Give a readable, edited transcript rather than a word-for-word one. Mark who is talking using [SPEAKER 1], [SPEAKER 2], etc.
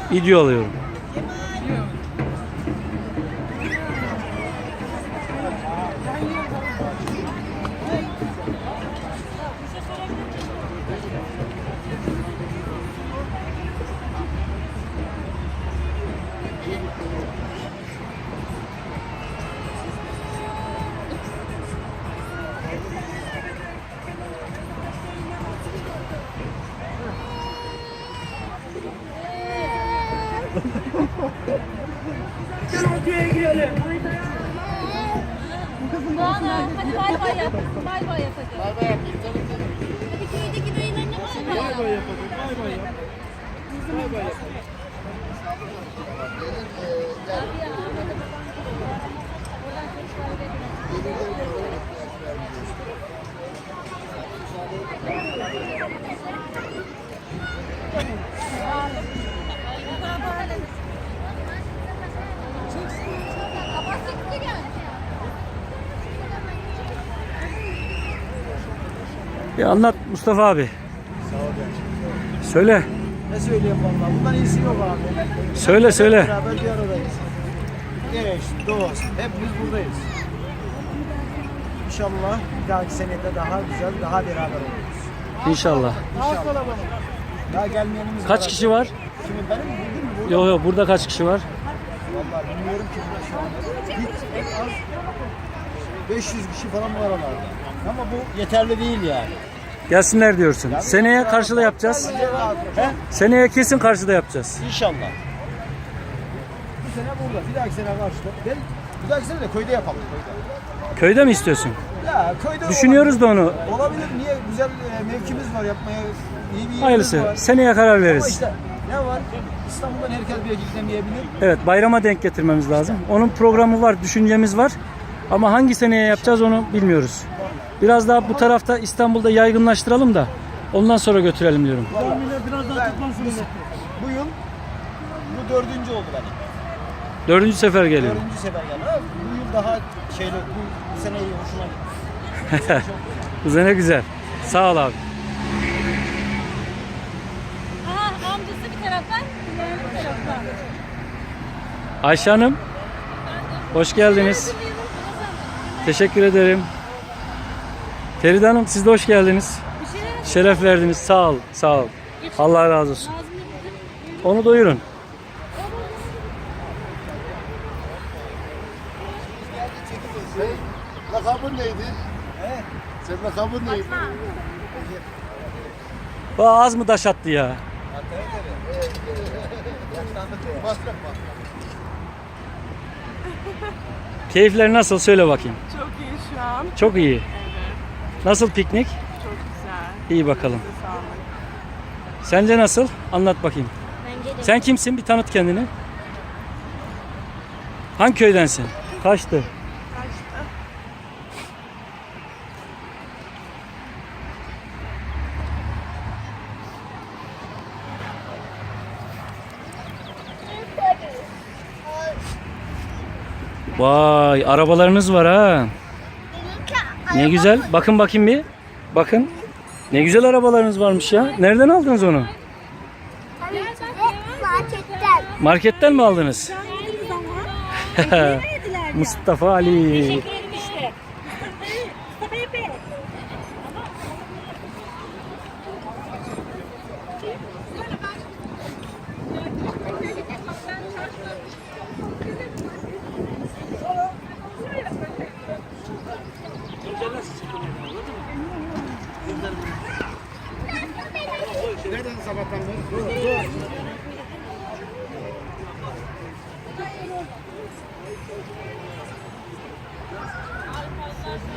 [SPEAKER 1] Video alıyorum.
[SPEAKER 2] Doğan hadi bay bay yap. Bay bay yap hadi.
[SPEAKER 3] Bay bay yapayım canım.
[SPEAKER 2] Hadi köydeki dayılarına bay bay yap.
[SPEAKER 3] Bay bay yapalım. Bay bay yap. Bay bay yapalım.
[SPEAKER 1] Bir anlat Mustafa abi.
[SPEAKER 3] Sağ ol gençim.
[SPEAKER 1] Söyle.
[SPEAKER 3] Ne söyleyeyim vallahi? Bundan iyisi yok abi.
[SPEAKER 1] Söyle söyle.
[SPEAKER 3] Beraber bir aradayız. Eş, dost, hepimiz buradayız. İnşallah bir dahaki senede daha güzel, daha beraber oluruz.
[SPEAKER 1] İnşallah.
[SPEAKER 3] İnşallah. Daha gelmeyenimiz var.
[SPEAKER 1] Kaç kişi var?
[SPEAKER 3] Şimdi benim bugün burada.
[SPEAKER 1] Yok yok, burada kaç kişi var?
[SPEAKER 3] Vallahi bilmiyorum ki burada şu anda. Hiç en az 500 kişi falan bu aralarda. Ama bu yeterli değil yani.
[SPEAKER 1] Gelsinler diyorsun. Seneye karşıda yapacağız.
[SPEAKER 3] He?
[SPEAKER 1] Seneye kesin karşıda yapacağız.
[SPEAKER 3] İnşallah. Bu sene burada, bir dahaki sene karşıda. Bir dahaki sene de köyde yapalım.
[SPEAKER 1] Köyde mi istiyorsun?
[SPEAKER 3] Ya köyde
[SPEAKER 1] Düşünüyoruz da onu.
[SPEAKER 3] olabilir. Niye? Güzel mevkimiz var yapmaya. İyi bir yerimiz
[SPEAKER 1] Hayırlısı.
[SPEAKER 3] var.
[SPEAKER 1] Seneye karar
[SPEAKER 3] Ama
[SPEAKER 1] veririz.
[SPEAKER 3] işte ne var? İstanbul'dan herkes bir gidemeyebilir.
[SPEAKER 1] Evet, bayrama denk getirmemiz lazım. Onun programı var, düşüncemiz var. Ama hangi seneye yapacağız onu bilmiyoruz. Biraz daha bu tarafta İstanbul'da yaygınlaştıralım da ondan sonra götürelim diyorum.
[SPEAKER 3] Biraz daha bu yıl bu 4. oldu benim.
[SPEAKER 1] 4. sefer geliyor.
[SPEAKER 3] 4. sefer geldi. Ha, bu yıl daha şeyle bu sene iyi hoşuma gitti.
[SPEAKER 1] Bu sene güzel. Sağ ol abi.
[SPEAKER 2] Aha amcası bir taraftan, yeğeni bir taraftan.
[SPEAKER 1] Ayşe Hanım, hoş geldiniz. Teşekkür ederim. Feride Hanım, siz de hoş geldiniz.
[SPEAKER 2] Bir şeyler
[SPEAKER 1] Şeref verdiniz. Sağ ol, sağ ol. Allah razı olsun. Onu doyurun.
[SPEAKER 3] Lakabın neydi? Senin lakabın neydi?
[SPEAKER 1] Bak az mı taş attı ya? Keyifler nasıl? Söyle bakayım.
[SPEAKER 4] Çok iyi şu an.
[SPEAKER 1] Çok iyi.
[SPEAKER 4] Evet.
[SPEAKER 1] Nasıl piknik?
[SPEAKER 4] Çok güzel.
[SPEAKER 1] İyi bakalım.
[SPEAKER 4] Size sağlık.
[SPEAKER 1] Sence nasıl? Anlat bakayım.
[SPEAKER 2] bence de.
[SPEAKER 1] Sen kimsin? Bir tanıt kendini. Hangi köydensin? Kaçtı?
[SPEAKER 4] Kaçtı.
[SPEAKER 1] Vay, arabalarınız var ha. Ne güzel. Bakın bakayım bir. Bakın. Ne güzel arabalarınız varmış ya. Nereden aldınız onu?
[SPEAKER 2] Marketten.
[SPEAKER 1] Marketten mi aldınız?
[SPEAKER 2] Yediniz ama. Yediler ya.
[SPEAKER 1] Mustafa Ali.
[SPEAKER 2] Teşekkür ederim işte. Mustafa Efe.
[SPEAKER 3] Nereden sabahtan beri? Dur.